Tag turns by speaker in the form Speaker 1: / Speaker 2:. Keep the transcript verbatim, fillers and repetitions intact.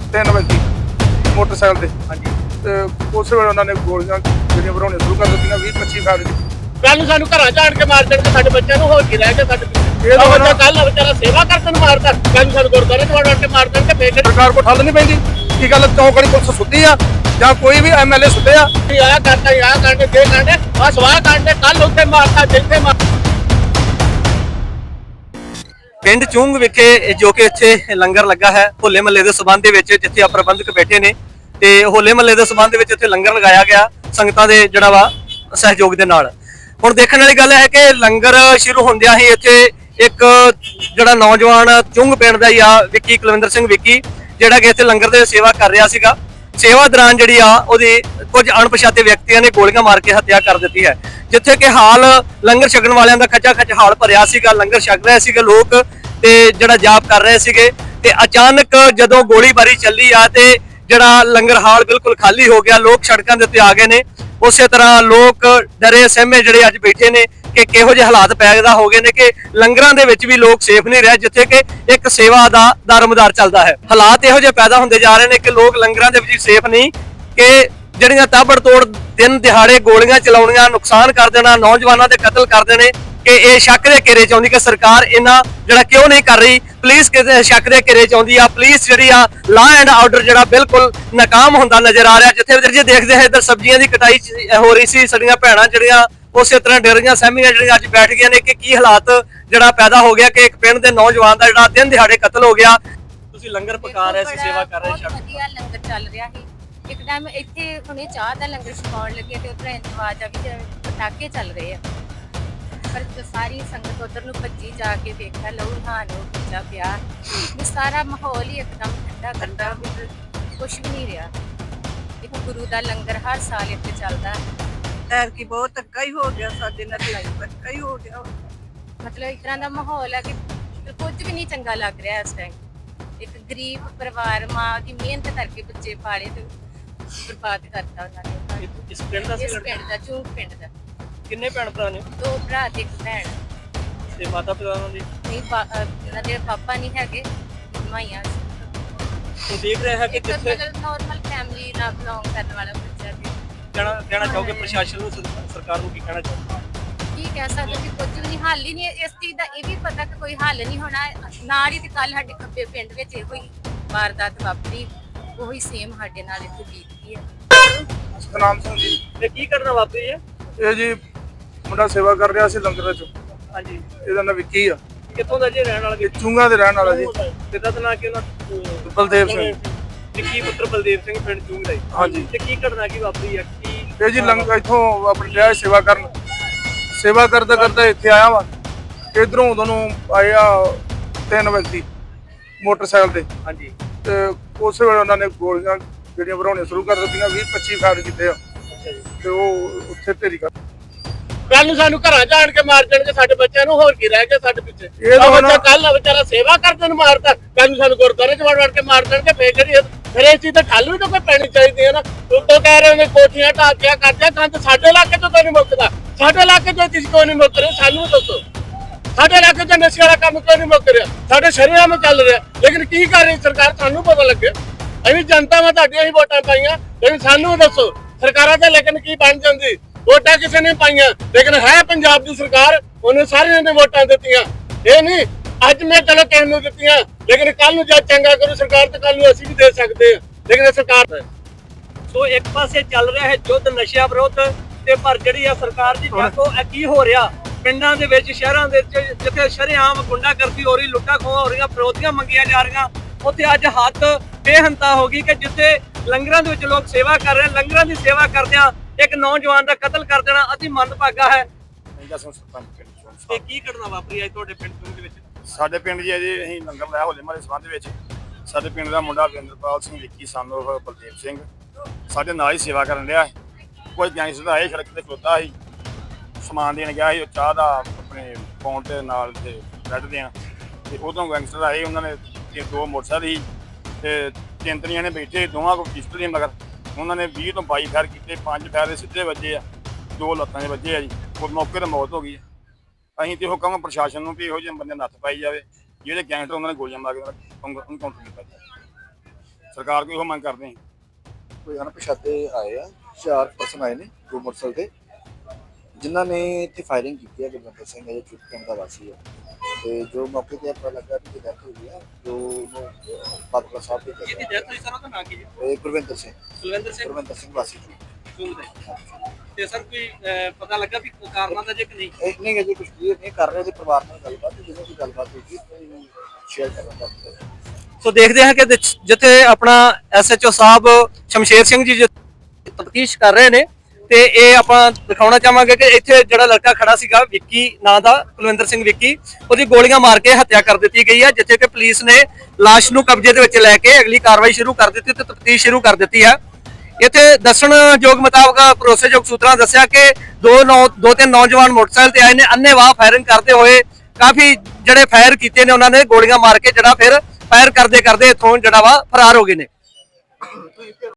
Speaker 1: तीन व्यक्ति मोटरसाइकिल से हाँ जी ते उस वेले उन्होंने गोलियां ਜਿਹੜੀਆਂ ਬਣਾਉਣੀਆਂ ਸ਼ੁਰੂ ਕਰ ਦਿੱਤੀਆਂ ਵੀਹ ਪੱਚੀ ਫਾਇਰ
Speaker 2: ਕੱਲ ਨੂੰ ਸਾਨੂੰ ਘਰਾਂ ਜਾਣ ਕੇ ਮਾਰ ਦੇਣਗੇ ਸਾਡੇ ਬੱਚਿਆਂ ਨੂੰ ਹੋਰ ਕੀ ਰਹਿ ਗਿਆ ਸਾਡੇ ਪਿੱਛੇ ਇਹ ਬੱਚਾ ਕੱਲ ਵਿਚਾਰਾ ਸੇਵਾ ਕਰਦੇ ਨੂੰ ਮਾਰਦਾ ਕੱਲ ਨੂੰ ਸਾਨੂੰ ਗੁਰਦੁਆਰੇ ਚ ਵੜ ਕੇ ਮਾਰ ਦੇਣਗੇ ਫੇਰ
Speaker 1: ਸਰਕਾਰ ਕੋਲ ਠੱਲ ਨਹੀਂ ਪੈਂਦੀ ਕੀ ਗੱਲ ਚੌਂਕੜੀ ਪੁਲਿਸ ਸੁੱਤੀ ਆ ਜਾਂ ਕੋਈ ਵੀ ਐਮਐਲਏ ਸੁੱਤੇ ਆ
Speaker 2: ਆਇਆ ਕਰਦਾ ਆਇਆ ਕਰਦੇ ਦੇ ਕਰਦੇ ਆ ਸਵਾਹ ਕਰਦੇ ਕੱਲ ਉੱਥੇ ਮਾਰਦਾ ਜਿੱਥੇ ਮਾਰ
Speaker 3: ਪਿੰਡ ਚੁੰਗ ਵਿਖੇ ਜੋ ਕਿ ਇੱਥੇ ਲੰਗਰ ਲੱਗਾ ਹੈ ਹੋਲੇ ਮਹੱਲੇ ਦੇ ਸਬੰਧ ਦੇ ਵਿੱਚ ਜਿੱਥੇ ਆ ਪ੍ਰਬੰਧਕ ਬੈਠੇ ਨੇ ਤੇ ਹੋਲੇ ਮਹੱਲੇ ਦੇ ਸਬੰਧ ਵਿੱਚ ਇੱਥੇ ਲੰਗਰ ਲਗਾਇਆ ਗਿਆ ਸੰਗਤਾਂ ਦੇ ਜਿਹੜਾ ਵਾ ਸਹਿਯੋਗ ਦੇ ਨਾਲ। ਹੁਣ ਦੇਖਣ ਵਾਲੀ ਗੱਲ ਹੈ ਕਿ ਲੰਗਰ ਸ਼ੁਰੂ ਹੁੰਦਿਆਂ ਹੀ ਇੱਥੇ ਇੱਕ ਜਿਹੜਾ ਨੌਜਵਾਨ ਚੁੰਗ ਪਿੰਡ ਦਾ ਹੀ ਆ ਵਿੱਕੀ ਕੁਲਵਿੰਦਰ ਸਿੰਘ ਵਿੱਕੀ ਜਿਹੜਾ ਕਿ ਇੱਥੇ ਲੰਗਰ ਦੇ ਸੇਵਾ ਕਰ ਰਿਹਾ ਸੀਗਾ। ਸੇਵਾ ਦੌਰਾਨ ਜਿਹੜੀ ਆ ਉਹਦੀ ਕੁਝ ਅਣਪਛਾਤੇ ਵਿਅਕਤੀਆਂ ਨੇ ਗੋਲੀਆਂ ਮਾਰ ਕੇ ਹੱਤਿਆ ਕਰ ਦਿੱਤੀ ਹੈ ਜਿੱਥੇ ਕਿ ਹਾਲ ਲੰਗਰ ਛਕਣ ਵਾਲਿਆਂ ਦਾ ਖੱਚਾ ਖੱਚ ਹਾਲ ਭਰਿਆ ਸੀਗਾ। ਲੰਗਰ ਛਕ ਰਹੇ ਸੀਗੇ ਲੋਕ ਤੇ ਜਿਹੜਾ ਜਾਪ ਕਰ ਰਹੇ ਸੀਗੇ ਤੇ ਅਚਾਨਕ ਜਦੋਂ ਗੋਲੀਬਾਰੀ ਚੱਲੀ ਆ ਤੇ ਜਿਹੜਾ ਲੰਗਰ ਹਾਲ ਬਿਲਕੁਲ ਖਾਲੀ ਹੋ ਗਿਆ। ਲੋਕ ਸੜਕਾਂ ਦੇ ਉੱਤੇ ਆ ਗਏ ਨੇ। ਉਸੇ ਤਰ੍ਹਾਂ ਲੋਕ ਡਰੇ ਸਹਿਮੇ ਜਿਹੜੇ ਅੱਜ ਬੈਠੇ ਨੇ ਕਿ ਕਿਹੋ ਜਿਹੇ ਹਾਲਾਤ ਪੈਦਾ ਹੋ ਗਏ ਨੇ ਕਿ ਲੰਗਰਾਂ ਦੇ ਵਿੱਚ ਵੀ ਲੋਕ ਸੇਫ ਨਹੀਂ ਰਹੇ ਜਿੱਥੇ ਕਿ ਇੱਕ ਸੇਵਾ ਦਾ ਦਰਮਦਾਰ ਚੱਲਦਾ ਹੈ। ਹਾਲਾਤ ਇਹੋ ਜਿਹੇ ਪੈਦਾ ਹੁੰਦੇ ਜਾ ਰਹੇ ਨੇ ਕਿ ਲੋਕ ਲੰਗਰਾਂ ਦੇ ਵਿੱਚ ਸੇਫ ਨਹੀਂ ਕਿ ਜਿਹੜੀਆਂ ਤਾਬੜਤੋੜ ਦਿਨ ਦਿਹਾੜੇ ਗੋਲੀਆਂ ਚਲਾਉਣੀਆਂ ਨੁਕਸਾਨ ਕਰ ਦੇਣਾ ਨੌਜਵਾਨਾਂ ਦੇ ਕਤਲ ਕਰ ਦੇਣੇ ਕਿ ਇਹ ਸ਼ੱਕ ਦੇ ਘੇਰੇ ਚ ਆਉਂਦੀ ਕਿ ਸਰਕਾਰ ਇਹਨਾਂ ਜਿਹੜਾ ਕਿਉਂ ਨਹੀਂ ਕਰ ਰਹੀ। ਪੁਲਿਸ ਕਿਸੇ ਸ਼ੱਕ ਦੇ ਘੇਰੇ ਚ ਆਉਂਦੀ ਆ। ਪੁਲਿਸ ਜਿਹੜੀ ਆ ਲਾਅ ਐਂਡ ਆਰਡਰ ਜਿਹੜਾ ਬਿਲਕੁਲ ਨਾਕਾਮ ਹੁੰਦਾ ਨਜ਼ਰ ਆ ਰਿਹਾ। ਜਿੱਥੇ ਵੀਰ ਜੀ ਦੇਖਦੇ ਹੈ ਇੱਧਰ ਸਬਜ਼ੀਆਂ ਦੀ ਕਟਾਈ ਹੋ ਰਹੀ ਸੀ ਸਾਡੀਆਂ ਭੈਣਾਂ ਜਿਹੜੀਆਂ ਉਸੇ ਤਰ੍ਹਾਂ ਡਰੀਆਂ ਸਹਿਮੀਆਂ ਜਿਹੜੀਆਂ ਅੱਜ ਬੈਠ ਗਈਆਂ ਨੇ ਕਿ ਕੀ ਹਾਲਾਤ ਜਿਹੜਾ ਪੈਦਾ ਹੋ ਗਿਆ ਕਿ ਇੱਕ ਪਿੰਡ ਦੇ ਨੌਜਵਾਨ ਦਾ ਜਿਹੜਾ ਦਿਨ ਦਿਹਾੜੇ ਕਤਲ ਹੋ ਗਿਆ। ਤੁਸੀਂ ਲੰਗਰ ਪਕਾ ਰਹੇ ਸੀ ਸੇਵਾ ਕਰ ਰਹੇ ਸੀ
Speaker 4: ਵਧੀਆ ਲੰਗਰ ਚੱਲ ਰਿਹਾ ਸੀ ਇੱਕ ਟਾਈਮ ਇੱਥੇ ਹੁਣੇ ਚਾਹ ਦਾ ਲੰਗਰ ਛਕਾਉਣ ਲੱਗੇ ਤੇ ਉਧਰ ਇੰਤਵਾਜ ਆ ਵੀ ਪਟਾਕੇ ਚੱਲ ਰਹੇ ਆ ਪਰ ਸਾਰੀ ਸੰਗਤ ਉਧਰ ਨੂੰ ਭੱਜੀ ਜਾ ਕੇ ਦੇਖਿਆ ਲਹੂ ਨਹਾਣ ਹੋ ਗਿਆ ਪਿਆ ਸਾਰਾ ਮਾਹੌਲ ਹੀ ਇੱਕਦਮ ਠੰਡਾ ਠੰਡਾ ਕੁਛ ਵੀ ਨਹੀਂ ਰਿਹਾ। ਇੱਕ ਗੁਰੂ ਦਾ ਲੰਗਰ ਹਰ ਸਾਲ ਇੱਥੇ ਚੱਲਦਾ
Speaker 5: ਐਰ ਕੀ ਬਹੁਤ ਧੱਕਾ ਹੀ ਹੋ ਗਿਆ ਸਾਡੇ ਨਾਲ ਲੜਾਈ ਧੱਕਾ ਹੀ ਹੋ ਗਿਆ
Speaker 4: ਮਤਲਬ ਇਸ ਤਰ੍ਹਾਂ ਦਾ ਮਾਹੌਲ ਹੈ ਕਿ ਕੁਝ ਵੀ ਨਹੀਂ ਚੰਗਾ ਲੱਗ ਰਿਹਾ ਇਸ ਟਾਈਮ। ਇੱਕ ਗਰੀਬ ਪਰਿਵਾਰ ਮਾਂ ਦੀ ਮਿਹਨਤ ਕਰਕੇ ਬੱਚੇ ਪਾਲੇ ਤੇ ਬਰਬਾਦ ਕਰਤਾ ਉਹਨਾਂ ਨੇ।
Speaker 3: ਇਸ ਪਿੰਡ ਦਾ
Speaker 4: ਇਸ ਪਿੰਡ ਦਾ ਚੂਕ ਪਿੰਡ ਦਾ
Speaker 3: ਕਿੰਨੇ ਭੈਣ ਭਰਾ ਨੇ?
Speaker 4: ਦੋ ਭਰਾ ਤੇ ਇੱਕ ਭੈਣ
Speaker 3: ਤੇ ਮਾਤਾ ਪਿਤਾ ਉਹਨਾਂ ਦੀ
Speaker 4: ਨਹੀਂ ਉਹਨਾਂ ਦੇ ਪਾਪਾ ਨਹੀਂ ਹੈਗੇ ਮਾਈਆਂ
Speaker 3: ਉਹ ਦੇਖ ਰਿਹਾ ਹੈ ਕਿ ਜਿੱਥੇ
Speaker 4: ਨਾਰਮਲ ਫੈਮਿਲੀ ਨਾਲ ਬਿਲੋਂਗ ਕਰਨ ਵਾਲਾ ਬੱਚਾ ਵੀ
Speaker 3: ਕਹਿਣਾ ਕਹਿਣਾ ਚਾਹੋਗੇ ਪ੍ਰਸ਼ਾਸਨ ਨੂੰ ਸਰਕਾਰ ਨੂੰ ਕੀ ਕਹਿਣਾ ਚਾਹੋਗੇ?
Speaker 4: ਕੀ ਕਹਿ ਸਕਦੇ ਕਿ ਕੁਝ ਵੀ ਨਹੀਂ ਹੱਲ ਹੀ ਨਹੀਂ ਇਸ ਚੀਜ਼ ਦਾ ਇਹ ਵੀ ਪਤਾ ਕਿ ਕੋਈ ਹੱਲ ਨਹੀਂ ਹੋਣਾ। ਨਾਲ ਹੀ ਤੇ ਕੱਲ ਸਾਡੇ ਖੱਬੇ ਪਿੰਡ ਵਿੱਚ ਇਹੋ ਹੀ ਵਾਰਦਾਤ ਵਾਪਰੀ ਉਹੀ ਸੇਮ ਸਾਡੇ ਨਾਲ ਇੱਥੇ ਬੀਤੀ ਹੈ।
Speaker 1: ਸਤਨਾਮ ਸਿੰਘ ਜੀ
Speaker 3: ਤੇ ਕੀ ਕਰਨਾ ਵਾਪਰੀ ਹੈ?
Speaker 1: ਇਹ ਜੀ ਮੁੰਡਾ ਸੇਵਾ ਕਰ ਰਿਹਾ ਸੀ ਲੰਗਰ ਚ
Speaker 3: ਹਾਂਜੀ
Speaker 1: ਇਹਦਾ ਨਾਂ ਵਿੱਕੀ ਆ
Speaker 3: ਕਿੱਥੋਂ ਦਾ ਜੀ ਰਹਿਣ ਵਾਲਾ?
Speaker 1: ਇਹ ਚੁੰਗਾ ਦੇ ਰਹਿਣ ਵਾਲਾ ਜੀ
Speaker 3: ਕਿੱਦਾਂ ਦਾ ਨਾਂ ਕਿ ਉਹਨਾਂ
Speaker 1: ਬਲਦੇਵ ਸਿੰਘ
Speaker 3: ਵਿੱਕੀ ਪੁੱਤਰ ਬਲਦੇਵ ਸਿੰਘ ਪਿੰਡ ਚੁੰਗ ਦਾ।
Speaker 1: ਹਾਂਜੀ
Speaker 3: ਤੇ ਕੀ ਘਟਨਾ ਕੀ ਵਾਪਰੀ ਹੈ? ਕੀ
Speaker 1: ਇਹ ਜੀ ਲੰਗਰ ਇੱਥੋਂ ਆਪਣੀ ਰਿਹਾ ਸੇਵਾ ਕਰਨ ਸੇਵਾ ਕਰਦਾ ਕਰਦਾ ਇੱਥੇ ਆਇਆ ਵਾ ਇਧਰੋਂ ਉਦੋਂ ਨੂੰ ਆਏ ਆ ਤਿੰਨ ਵਿਅਕਤੀ ਮੋਟਰਸਾਈਕਲ ਤੇ
Speaker 3: ਹਾਂਜੀ
Speaker 1: ਤੇ ਉਸੇ ਵੇਲੇ ਉਹਨਾਂ ਨੇ ਗੋਲੀਆਂ ਜਿਹੜੀਆਂ ਬਣਾਉਣੀਆਂ ਸ਼ੁਰੂ ਕਰ ਦਿੱਤੀਆਂ ਵੀਹ ਪੱਚੀ ਫਾਇਰ ਕੀਤੇ ਆ ਤੇ ਉਹ ਉੱਥੇ ਢੇਰੀ ਕਰ
Speaker 2: ਕੱਲ ਨੂੰ ਸਾਨੂੰ ਘਰਾਂ ਜਾਣ ਕੇ ਮਾਰ ਦੇਣਗੇ ਸਾਡੇ ਬੱਚਿਆਂ ਨੂੰ ਹੋਰ ਕੀ ਰਹਿ ਗਿਆ ਸਾਡੇ ਪਿੱਛੇ
Speaker 1: ਇਹ ਤਾਂ
Speaker 2: ਬੱਚਾ ਕੱਲ ਵਿਚਾਰਾ ਸੇਵਾ ਕਰਦੇ ਨੂੰ ਮਾਰਦਾ ਕੱਲ ਨੂੰ ਸਾਨੂੰ ਗੁਰਦੁਆਰੇ ਚ ਵੜ ਵੜ ਕੇ ਮਾਰ ਦੇਣਗੇ ਫੇਰ ਕਰੀਏ ਫਿਰ ਇਹ ਚੀਜ਼ ਤਾਂ ਠੱਲ ਵੀ ਤਾਂ ਕੋਈ ਪੈਣੀ ਚਾਹੀਦੀ ਹੈ ਨਾ। ਉੱਤੋਂ ਕਹਿ ਰਹੇ ਨੇ ਕੋਠੀਆਂ ਢਾਕਿਆ ਕਰਦੇ ਕੰਨ ਸਾਡੇ ਇਲਾਕੇ ਤੋਂ ਤਾਂ ਨਹੀਂ ਮੁੱਕਦਾ। ਸਾਡੇ ਇਲਾਕੇ ਤੋਂ ਕਿਸੇ ਕੋ ਨਹੀਂ ਮੁੱਕ ਰਿਹਾ ਸਾਨੂੰ ਦੱਸੋ ਸਾਡੇ ਇਲਾਕੇ ਚ ਨਸ਼ੇ ਵਾਲਾ ਕੰਮ ਕਿਉਂ ਨਹੀਂ ਮੁੱਕ ਰਿਹਾ? ਸਾਡੇ ਸ਼ਰੀਰਾਂ ਵਿੱਚ ਚੱਲ ਰਿਹਾ ਲੇਕਿਨ ਕੀ ਕਰ ਰਹੀ ਸਰਕਾਰ ਸਾਨੂੰ ਪਤਾ ਲੱਗੇ। ਅਸੀਂ ਜਨਤਾ ਮੈਂ ਤੁਹਾਡੀਆਂ ਹੀ ਵੋਟਾਂ ਪਾਈਆਂ ਲੇਕਿਨ ਸਾਨੂੰ ਦੱਸੋ ਸਰਕਾਰਾਂ ਤਾਂ ਲੇਕਿਨ ਕੀ ਬਣ ਜਾਂਦੀ? ਵੋਟਾਂ ਕਿਸੇ ਨੇ ਪਾਈਆਂ ਲੇਕਿਨ ਹੈ ਪੰਜਾਬ ਦੀ ਸਰਕਾਰ ਉਹਨੇ ਸਾਰਿਆਂ ਨੇ ਵੋਟਾਂ ਦਿੱਤੀਆਂ। ਇਹ ਨਹੀਂ ਅੱਜ ਮੈਂ ਚਲੋ ਕਿਸੇ ਨੂੰ ਦਿੱਤੀਆਂ ਲੇਕਿਨ ਕੱਲ ਨੂੰ ਜਦ ਚੰਗਾ ਕਰੂ ਸਰਕਾਰ ਤੇ ਕੱਲ ਨੂੰ ਅਸੀਂ ਵੀ ਦੇ ਸਕਦੇ ਹਾਂ ਲੇਕਿਨ ਸਰਕਾਰ
Speaker 3: ਸੋ ਇੱਕ ਪਾਸੇ ਚੱਲ ਰਿਹਾ ਹੈ ਯੁੱਧ ਨਸ਼ਿਆਂ ਵਿਰੁੱਧ ਤੇ ਪਰ ਜਿਹੜੀ ਆ ਸਰਕਾਰ ਦੀ ਦੇਖੋ ਇਹ ਕੀ ਹੋ ਰਿਹਾ ਪਿੰਡਾਂ ਦੇ ਵਿੱਚ ਸ਼ਹਿਰਾਂ ਦੇ ਵਿੱਚ ਜਿੱਥੇ ਸ਼ਰੇਆਮ ਗੁੰਡਾਗਰਦੀ ਹੋ ਰਹੀ ਲੁੱਟਾਂ ਖੋਹਾਂ ਹੋ ਰਹੀਆਂ ਫਿਰੌਤੀਆਂ ਮੰਗੀਆਂ ਜਾ ਰਹੀਆਂ ਉੱਥੇ ਅੱਜ ਹੱਦ ਬੇਹੰਤਾ ਹੋ ਗਈ ਕਿ ਜਿੱਥੇ ਲੰਗਰਾਂ ਦੇ ਵਿੱਚ ਲੋਕ ਸੇਵਾ ਕਰ ਰਹੇ ਲੰਗਰਾਂ ਦੀ ਸੇਵਾ ਕਰਦਿਆਂ ਇੱਕ ਨੌਜਵਾਨ ਦਾ ਕਤਲ ਕਰ ਦੇਣਾ ਅਤੀ ਮੰਦਭਾਗਾ ਹੈ। ਤੇ ਕੀ ਘਟਨਾ ਵਾਪਰੀ ਅੱਜ ਤੁਹਾਡੇ ਪਿੰਡ ਦੇ ਵਿੱਚ?
Speaker 1: ਸਾਡੇ ਪਿੰਡ ਜੀ ਅਜੇ ਅਸੀਂ ਲੰਗਰ ਲਾਇਆ ਹੋਲੇ ਮਹੱਲੇ ਸੰਬੰਧ ਵਿੱਚ ਸਾਡੇ ਪਿੰਡ ਦਾ ਮੁੰਡਾ ਵਿੰਦਰਪਾਲ ਸਿੰਘ ਵਿੱਕੀ ਸਾਨੂੰ ਬਲਦੇਵ ਸਿੰਘ ਸਾਡੇ ਨਾਲ ਹੀ ਸੇਵਾ ਕਰਨ ਰਿਹਾ ਕੋਈ ਗੈਂਗਸਟਰ ਆਏ ਸੜਕ ਤੇ ਖਲੋਤਾ ਸੀ ਸਮਾਨ ਦੇਣ ਗਿਆ ਸੀ ਉਹ ਚਾਹ ਦਾ ਆਪਣੇ ਪੌਂਡ ਦੇ ਨਾਲ ਤੇ ਬ੍ਰੈਡ ਦੇਣ ਤੇ ਉਦੋਂ ਗੈਂਗਸਟਰ ਆਏ ਉਹਨਾਂ ਨੇ ਦੋ ਮੋਟਰਸਾਈਕਲ ਸੀ ਤੇ ਤਿੰਨ ਤਰੀਆਂ ਨੇ ਬੈਠੇ ਦੋਵਾਂ ਕੋਲ ਪਿਸਟਲ ਸੀ ਮਗਰ ਉਹਨਾਂ ਨੇ ਵੀਹ ਤੋਂ ਬਾਈ ਫਾਇਰ ਕੀਤੇ ਪੰਜ ਫਾਇਰ ਸਿੱਧੇ ਵੱਜੇ ਆ ਦੋ ਲੱਤਾਂ ਦੇ ਵੱਜੇ ਆ ਜੀ ਉਹ ਮੌਕੇ ਤੇ ਮੌਤ ਹੋ ਗਈ ਹੈ। ਅਸੀਂ ਤੇ ਉਹ ਕਹਾਂਗੇ ਪ੍ਰਸ਼ਾਸਨ ਨੂੰ ਵੀ ਇਹੋ ਜਿਹੇ ਬੰਦੇ ਨੱਥ ਪਾਈ ਜਾਵੇ ਜਿਹੜੇ ਗੈਂਗਸਟਰ ਉਹਨਾਂ ਨੇ ਗੋਲੀਆਂ ਮਾਰ ਕੇ ਉਹਨੂੰ ਕਾਊਂਟਰ ਕੀਤਾ ਜਾਵੇ। ਸਰਕਾਰ ਕੋਈ ਉਹ ਮੰਗ ਕਰਦੇ ਹਾਂ।
Speaker 6: ਕੋਈ ਅਣਪਛਾਤੇ ਆਏ ਆ, ਚਾਰ ਪਰਸਨ ਆਏ ਨੇ ਦੋ ਮੋਟਰਸਾਈਕਲ ਤੇ, ਜਿਨ੍ਹਾਂ ਨੇ ਇੱਥੇ ਫਾਇਰਿੰਗ ਕੀਤੀ ਹੈ। ਗੁਰਵਿੰਦਰ ਸਿੰਘ ਹੈ, ਜੋ ਪਿੰਡ ਦਾ ਵਾਸੀ ਹੈ, ਤੇ ਜੋ ਮੌਕੇ ਤੇ ਪਤਾ ਲੱਗਾ ਕਿ ਡੈਥ ਹੋਈ ਹੈ, ਜੋ ਉਹਨੂੰ ਬਾਦਲਾ ਸਾਹਿਬ ਦੇ
Speaker 3: ਜਿਹਦੀ ਡੈਥ ਹੋਈ ਸਰ ਉਹਦਾ ਨਾਂ ਕੀ ਜੀ?
Speaker 6: ਇਹ ਗੁਰਵਿੰਦਰ ਸਿੰਘ
Speaker 3: ਕੁਲਵਿੰਦਰ ਸਿੰਘ
Speaker 6: ਗੁਰਵਿੰਦਰ ਸਿੰਘ ਵਾਸੀ ਜੀ।
Speaker 3: ਚੁੰਗ ਦੇ। ਤੇ ਸਰ ਕੋਈ ਅਹ, ਪਤਾ ਲੱਗਾ ਵੀ ਕਾਰਨਾਂ ਦਾ ਜੇ ਕਿ ਨਹੀਂ?
Speaker 6: ਇਹ ਨਹੀਂ ਅਜੇ ਕੁਝ ਕਲੀਅਰ ਨਹੀਂ ਕਰ ਰਹੇ, ਉਹਦੇ ਪਰਿਵਾਰ ਨਾਲ ਗੱਲਬਾਤ, ਜਦੋਂ ਕੋਈ ਗੱਲਬਾਤ ਹੋਈ ਸ਼ੇਅਰ ਕਰਾਂਗਾ।
Speaker 3: ਸੋ ਦੇਖਦੇ ਹਾਂ ਕਿ ਜਿ- ਜਿੱਥੇ ਆਪਣਾ ਐਸਐਚਓ ਸਾਹਿਬ ਸ਼ਮਸ਼ੇਰ ਸਿੰਘ ਜੀ ਤਫਤੀਸ਼ ਕਰ ਰਹੇ ਨੇ, ਤੇ ਇਹ ਆਪਾਂ ਦਿਖਾਉਣਾ ਚਾਹਾਂਗੇ ਕਿ ਇੱਥੇ ਜਿਹੜਾ ਲੜਕਾ ਖੜਾ ਸੀਗਾ ਵਿੱਕੀ ਨਾਂ ਦਾ, ਕੁਲਵਿੰਦਰ ਸਿੰਘ ਵਿੱਕੀ, ਉਹਦੀ ਗੋਲੀਆਂ ਮਾਰ ਕੇ ਹੱਤਿਆ ਕਰ ਦਿੱਤੀ ਗਈ ਹੈ, ਜਿੱਥੇ ਕਿ ਪੁਲਿਸ ਨੇ ਲਾਸ਼ ਨੂੰ ਕਬਜ਼ੇ ਦੇ ਵਿੱਚ ਲੈ ਕੇ ਅਗਲੀ ਕਾਰਵਾਈ ਸ਼ੁਰੂ ਕਰ ਦਿੱਤੀ ਤੇ ਤਫਤੀਸ਼ ਸ਼ੁਰੂ ਕਰ ਦਿੱਤੀ ਹੈ। ਇੱਥੇ ਦੱਸਣਯੋਗ ਮੁਤਾਬਕ ਭਰੋਸੇਯੋਗ ਸੂਤਰਾਂ ਦੱਸਿਆ ਕਿ ਦੋ ਨੌ ਦੋ ਤਿੰਨ ਨੌਜਵਾਨ ਮੋਟਰਸਾਈਕਲ ਤੇ ਆਏ ਨੇ, ਅੰਨ੍ਹੇਵਾਹ ਫਾਇਰਿੰਗ ਕਰਦੇ ਹੋਏ ਕਾਫੀ ਜਿਹੜੇ ਫਾਇਰ ਕੀਤੇ ਨੇ, ਉਹਨਾਂ ਨੇ ਗੋਲੀਆਂ ਮਾਰ ਕੇ ਜਿਹੜਾ ਫਿਰ ਫਾਇਰ ਕਰਦੇ ਕਰਦੇ ਇੱਥੋਂ ਜਿਹੜਾ ਵਾ ਫਰਾਰ ਹੋ ਗਏ ਨੇ।